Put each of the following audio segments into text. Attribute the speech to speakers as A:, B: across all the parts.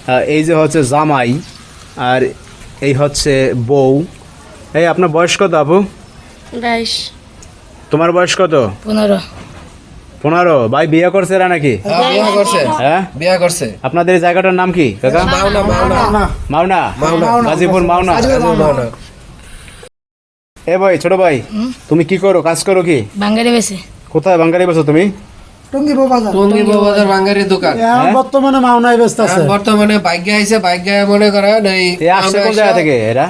A: এই যে হচ্ছে জামাই আর এই হচ্ছে বউ। এই আপনার বয়স কত আপু?
B: 22।
A: তোমার বয়স কত?
B: 15।
A: 15। ভাই বিয়ে করছে এরা নাকি?
C: বিয়ে করছে।
A: হ্যাঁ
C: বিয়ে করছে।
A: আপনাদের এই জায়গাটার নাম কি কাকা? মাওনা। গাজীপুর মাওনা। এ ভাই ছোট ভাই, তুমি কি করো, কাজ করো কি?
B: বাঙালি বেশি।
A: কোথায় বাঙ্গারি বেছো তুমি?
D: টঙ্গী বাজার
C: বাঙ্গারির দোকান।
D: বর্তমানে মাওনায় ব্যস্ত আছে।
C: বর্তমানে বাইক আইছে, বাইক মনে করেন এই
A: আসছে কোন জায়গা থেকে এরা?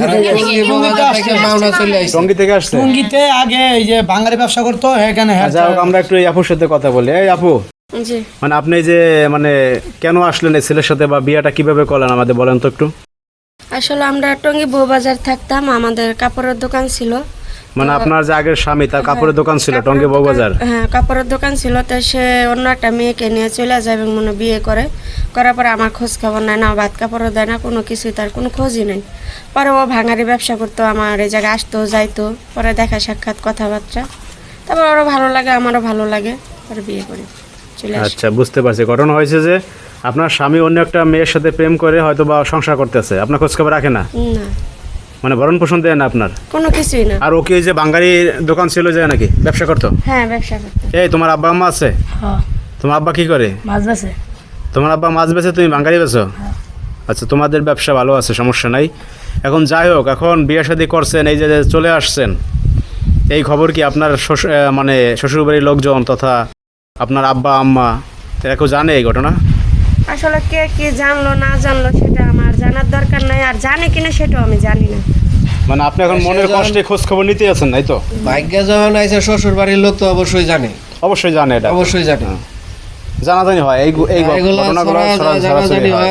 C: মাওনা চলে আইছে।
A: টঙ্গী থেকে আসছে।
D: টঙ্গীতে আগে এই যে বাঙালি ব্যবসা করতো এখানে।
A: যাই হোক, আমরা একটু এই আপুর সাথে কথা বলি। এই আপু,
B: জি।
A: মানে আপনি যে মানে কেন আসলেন এই ছেলের সাথে, বা বিয়েটা কিভাবে করলেন আমাদের বলেন তো একটু।
B: আসলে আমরা টঙ্গী বউবাজার থাকতাম, আমাদের কাপড়ের দোকান ছিল।
A: মানে আপনার যে আগের স্বামী তার কাপড়ের দোকান ছিল টঙ্গী বউবাজার?
B: হ্যাঁ, কাপড়ের দোকান ছিল। তো সে অন্য একটা মেয়েকে নিয়ে চলে যায় এবং মনে বিয়ে করার পরে আমার খোঁজ খবর নেয় না, ভাত কাপড়ও দেয় না, কোনো কিছুই, তার কোনো খোঁজই নেই। পরে ও ভাঙারি ব্যবসা করতো, আমার এই জায়গায় আসতো যাইতো, পরে দেখা সাক্ষাৎ কথাবার্তা, তারপর ওরও ভালো লাগে আমারও ভালো লাগে, পরে বিয়ে করি চলে আসি।
A: আচ্ছা, বুঝতে পারছি। ঘটনা হয়েছে যে আপনার স্বামী অন্য একটা মেয়ের সাথে প্রেম করে হয়তো বা সংসার করতেছে, আপনার খোঁজ খবর রাখে না,
B: না,
A: মানে ভরণ পোষণ দেয় না আপনার?
B: কোনো কিছুই না।
A: আর ওকে যে বাঙালি দোকান ছিল যে নাকি ব্যবসা করতো?
B: হ্যাঁ, ব্যবসা করতো।
A: এই তোমার আব্বা আম্মা আছে?
B: হ্যাঁ।
A: তোমার আব্বা কি করে?
B: মাছ বেচে।
A: তোমার আব্বা মাছ বেচে, তুমি বাঙালি বেচো? আচ্ছা, তোমাদের ব্যবসা ভালো আছে, সমস্যা নাই। এখন যাই হোক, এখন বিয়ে শাদী করছেন, এই যে চলে আসছেন, এই খবর কি আপনার মানে শ্বশুরবাড়ির লোকজন তথা আপনার আব্বা আম্মা এরা কেউ জানে এই ঘটনা?
B: আসলে কে কি জানলো না জানলো সেটা আমার জানার দরকার নাই, আর জানে কিনা সেটাও আমি জানি না।
A: মানে আপনি এখন মনের কষ্টে খোঁজ খবর নিতে আছেন, তাই তো?
C: ভাগ্যে যখন আইছে শ্বশুর বাড়ির লোক তো অবশ্যই জানে।
A: অবশ্যই জানে, এটা
C: অবশ্যই জানে।
A: জানাজানি হয় এই ঘটনাগুলো
C: জানাজানি হয়।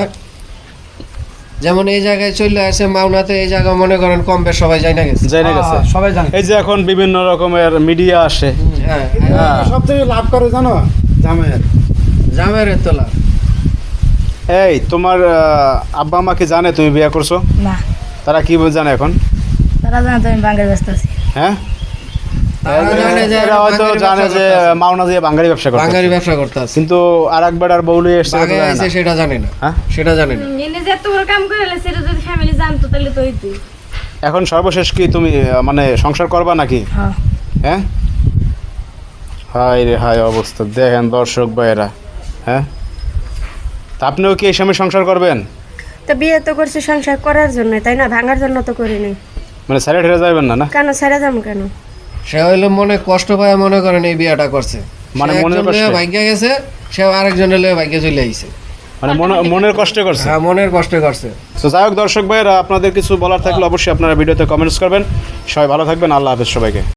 C: যেমন এই জায়গায় চলে আসে মাওনাতে, এই জায়গা মনে করেন কম বেশ সবাই জানা গেছে।
D: সবাই জানে।
A: এই যে এখন বিভিন্ন রকমের মিডিয়া আসে,
C: হ্যাঁ,
D: সবথেকে লাভ করে জানো জামাইয়ের।
C: জামের তোলা।
A: এই তোমার আব্বা আম্মা কি জানে তুমি বিয়ে করছো?
B: না,
A: তারা কি জানে এখন?
B: তারা জানে তো আমি বাঙালি ব্যস্ত আছি।
A: হ্যাঁ,
C: এরা
A: হয়তো জানে যে মাওনা দিয়ে বাঙালি ব্যবসা করতে,
C: বাঙালি ব্যবসা করতে আছে।
A: কিন্তু আর একবার আর বউলি এসছে
C: সেটা জানে না।
A: হ্যাঁ,
C: সেটা জানে না।
B: এনে যে এত বড় কাম করে সেটা যদি ফ্যামিলি জানতো তাহলে তো হইতো।
A: এখন সর্বশেষ কি তুমি মানে সংসার করবা নাকি?
B: হ্যাঁ।
A: হ্যাঁ, হায় রে হায় অবস্থা দেখেন দর্শক ভাইয়েরা। হ্যাঁ, তা আপনিও কি এই সময় সংসার করবেন?
B: তো বিয়ে তো করছি সংসার করার জন্য, তাই না? ভাঙার জন্য তো করিনি।
A: মানে ছেড়ে ঠেড়ে যাবেন না? না,
B: কেন ছেড়ে যাবো কেন?
C: সে হইলো মনে কষ্ট পায়, মনে করেন এই বিয়েটা করছে,
A: মানে
C: সে
A: মনের
C: একজন
A: কষ্টে?
C: লইয়া ভাগ্যে গেছে, সে আরেকজনের লইয়া ভাগ্যে চলে আইছে।
A: মানে মনের কষ্টে করছে।
C: হ্যাঁ, মনের কষ্টে করছে।
A: তো যাই হোক দর্শক ভাইয়েরা, আপনাদের কিছু বলার থাকলে অবশ্যই আপনারা ভিডিওতে কমেন্টস করবেন। সবাই ভালো থাকবেন, আল্লাহ হাফেজ সবাইকে।